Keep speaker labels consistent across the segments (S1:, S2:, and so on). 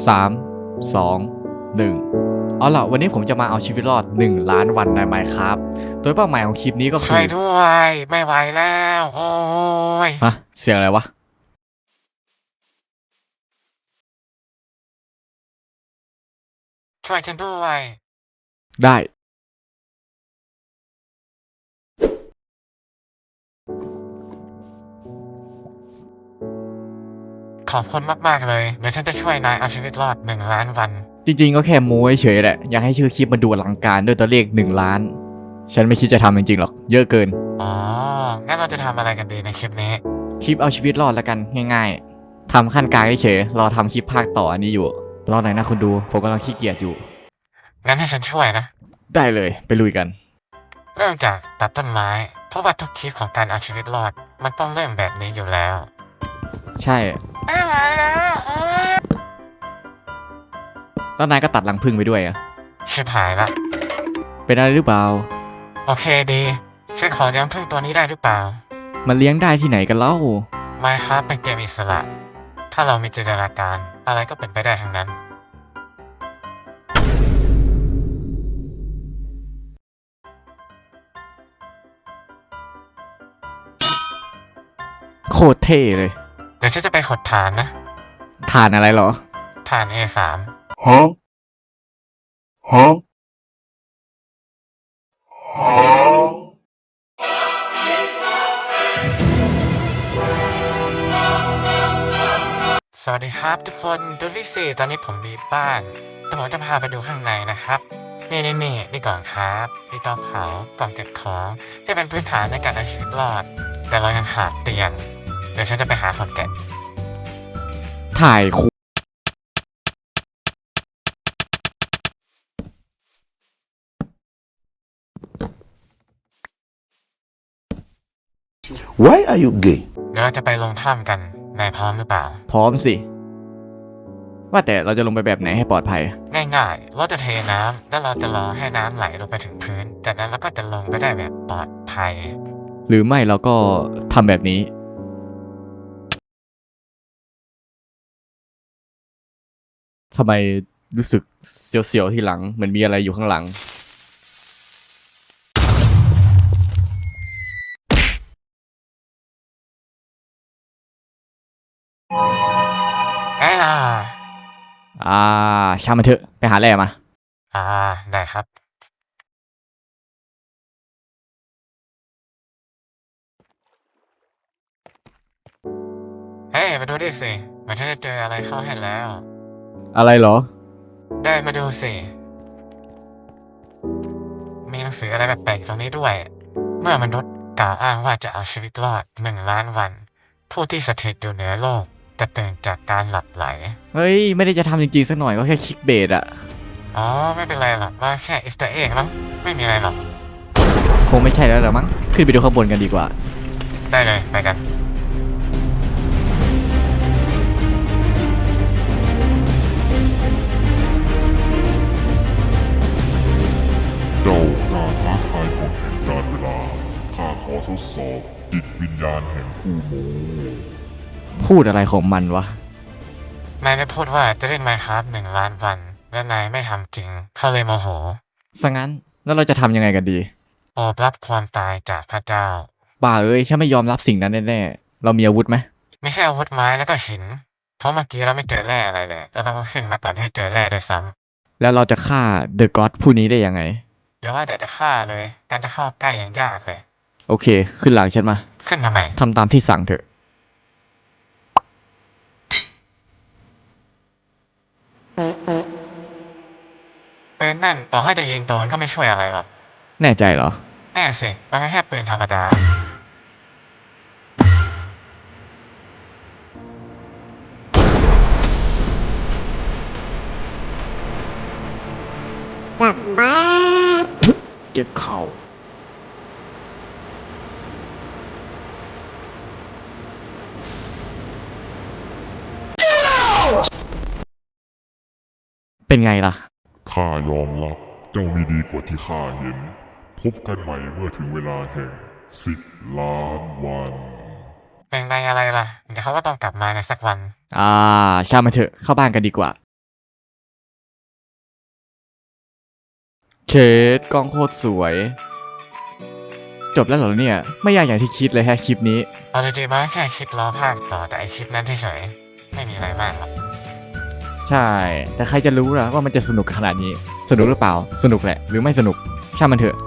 S1: 3 2 1เอาล่ะวันนี้ผมจะมาเอาชีวิตรอด1 ล้านวันใน Minecraft โดยเป้าหมายของคลิปนี้ก็คื
S2: ช่วยด้วยไม่ไหวแล้วโอ้ย
S1: ฮะเสียงอะไรวะ
S2: ช่วยฉันด้วย
S1: ได้
S2: ขอบคุณมากๆเลยเดี๋ยวฉันจะช่วยนายเอาชีวิตรอด1 ล้านวัน
S1: จริงๆก็แค่โม้เฉยๆแหละอยากให้ชื่อคลิปมันดูอลังการด้วยตัวเลข1 ล้านฉันไม่คิดจะทำจริงๆหรอกเยอะเกิน
S2: อ๋องั้นเราจะทำอะไรกันดีในคลิปนี้
S1: คลิปเอาชีวิตรอดแล้วกันง่ายๆทำขั้นกลางเฉยๆรอทำคลิปภาคต่ออันนี้อยู่รอหน่อยนะคุณดูผมกำลังขี้เกียจอยู่
S2: งั้นให้ฉันช่วยนะ
S1: ได้เลยไปลุยกัน
S2: เริ่มจากตัดต้นไม้เพราะว่าทุกคลิปของการเอาชีวิตรอดมันต้องเริ่มแบบนี้อยู่แล้ว
S1: ใช่
S2: ไม่ไหวแล้ว
S1: แล้วนายก็ตัดรังผึ้งไปด้วยอะ
S2: ชิบหายละ
S1: เป็นอะไรหรือเปล่า
S2: โอเคดีฉันขอเลี้ยงผึ้งตัวนี้ได้หรือเปล่า
S1: มันเลี้ยงได้ที่ไหนกันเล่า
S2: Minecraft เป็นเกมอิสระถ้าเรามีจินตนาการอะไรก็เป็นไปได้ทั้งนั้น
S1: โคตรเท่เลย
S2: เดี๋ยวฉันจะไปขดฐานนะ
S1: ฐานอะไรเหรอ
S2: ฐาน A3
S3: Huh? Huh? Huh?
S2: สวัสดีครับทุกคนดูลิซี่ตอนนี้ผมมีบ้านแต่ผมจะพาไปดูข้างในนะครับนี่ก่อนครับนี่เตาเผากล่องเก็บของที่เป็นพื้นฐานในการเอาชีวิตรอดแต่เรายังขาดเตียงเดี๋ยวฉันจะไปหาคนแกะ
S1: ถ่ายคู
S3: Why are you gay?
S2: เดี๋ยวเราจะไปลงถ้ำกันนายพร้อมหรือเปล่า
S1: พร้อมสิว่าแต่เราจะลงไปแบบไหนให้ปลอดภัย
S2: ง่ายๆเราจะเทน้ำแล้วเราจะรอให้น้ำไหลลงไปถึงพื้นจากนั้นเราก็จะลงไปได้แบบปลอดภัย
S1: หรือไม่เราก็ทำแบบนี้ทำไมรู้สึกเสียวๆที่หลังเหมือนมีอะไรอยู่ข้างหลัง
S2: อ่า
S1: อ่าช่างมันเถอะไปหาแร่มา
S2: อ่าได้ครับเฮ้ยมาดูดิสิเหมือนฉันจะเจออะไรเข้าให้แล้ว
S1: อะไรเหรอ
S2: ได้มาดูสิ มีหนังสืออะไรแปลกๆตรงนี้ด้วย เมื่อมนุษย์กล่าวอ้างว่าจะเอาชีวิตรอด1 ล้านวัน ผู้ที่สถิตอยู่เหนือโลกจะตื่นจากการหลับไหล
S1: เฮ้ยไม่ได้จะทำจริงๆสักหน่อยก็แค่คลิกเบสอะ
S2: อ๋อไม่เป็นไรหรอกว่าแค่อิสต์เอ็กมั้งไม่มีอะไรหรอก
S1: คงไม่ใช่แล้วหรอมั้งขึ้นไปดูข้างบนกันดีกว่า
S2: ได้เลยไปกัน
S3: เจ้าการท้าทายกฎแห่งการเวลาข้าขอทดสอบจิตวิญญาณแห่งผู้โม
S1: พูดอะไรของมันวะ
S2: นายได้พูดว่าจะเล่น Minecraft 1 ล้านวัน และนายไม่ทำจริงเขาเลยโมโห
S1: ซะงั้นแล้วเราจะทำยังไงกันดี
S2: โอบรับความตายจากพระเจ้า
S1: บ้าเอ้ยฉันไม่ยอมรับสิ่งนั้นแน่ๆเรามีอาวุธไหม
S2: ไม่ใช่อาวุธไม้แล้วก็หินเพราะเมื่อกี้เราไม่เจอแร่อะไรเลยแล้วเราก็ขึ้นมาตัดให้เจอแร่ด้วยซ้ำ
S1: แล้วเราจะฆ่าเดอะก็อดผู้นี้ได้ยังไง
S2: เดี๋ยวว่าแต่จะฆ่าเลยการจะเข้าใกล้ยังยากเลย
S1: โอเคขึ้นหลังฉันมา
S2: ขึ้นทำไม
S1: ทำตามที่สั่งเถอะ
S2: ปืนนั่นต่อให้จะยิงโดนก็ไม่ช่วยอะไรหรอก
S1: แน่ใจเหรอ
S2: แน่สิมันแค่ปืนธรรมดา
S1: เก็บเข่าเป็นไงล่ะ
S3: ข้ายอมรับเจ้ามีดีกว่าที่ข้าเห็น พบกันใหม่เมื่อถึงเวลาแห่ง10 ล้านวัน
S2: เป็นไรอะไรล่ะเดี๋ยวเขาก็ต้องกลับมาในสักวัน
S1: ช่างมันเถอะเข้าบ้านกันดีกว่าเชดกล้องโคตรสวย จบแล้วเหรอเนี่ย ไม่ยากอย่างที่คิดเลยแฮะคลิปนี้
S2: เอาจริงๆมันแค่คลิปล้อภาคต่อแต่ไอคลิปนั้นเฉยๆไม่มีอะไรมากหรอก
S1: ใช่ แต่ใครจะรู้ล่ะว่ามันจะสนุกขนาดนี้ สนุกหรือเปล่า สนุกแหละ หรือไม่สนุก ช่างมันเถอะ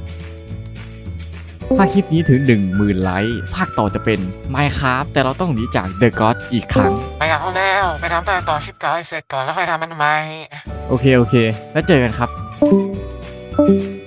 S1: ถ้าคลิปนี้ถึง 10,000 ไลค์ ภาคต่อจะเป็น Minecraft แต่เราต้องหนีจาก The God อีกครั้ง
S2: ไปเอาแล้วไปทำต่อคลิปเก่าให้เสร็จก่อนแล้วค่อยทำมันใหม่
S1: โอเค แล้วเจอกันครับ